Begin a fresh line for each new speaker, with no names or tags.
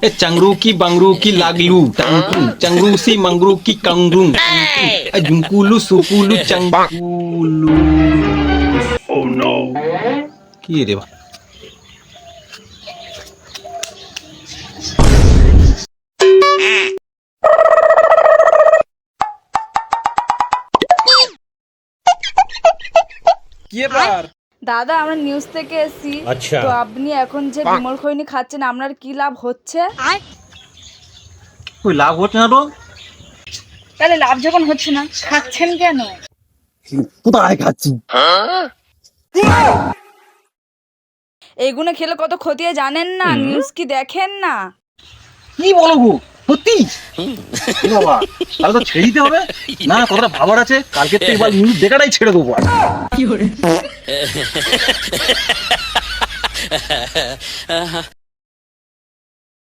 চাংরু কি বাংরু কি লাগলু টাংটু চাংরু সি মাংরু কি কাংরু জুঙ্কুলু সুকুলু চাংকুলু কি রে বা
কি ব্যাপার?
দাদা আমরা নিউজ থেকে এসেছি।
আচ্ছা।
তো আপনি এখন যে বিমল খৈনি খাচ্ছেন আপনার কি লাভ হচ্ছে?
কই লাভ হচ্ছে না তো
তাহলে লাভ যখন হচ্ছে না খাচ্ছেন কেন?
কোথায় খাচ্ছি
এইগুলো খেলে কত ক্ষতি হয় জানেন না? নিউজ কি দেখেন না?
কি বলো গো সত্যি এ বাবা তাহলে তো ছেড়ে দিতে হবে না কথাটা ভাবার আছে কালকে তো এবার নিউজ দেখাটাই ছেড়ে দেবো আর।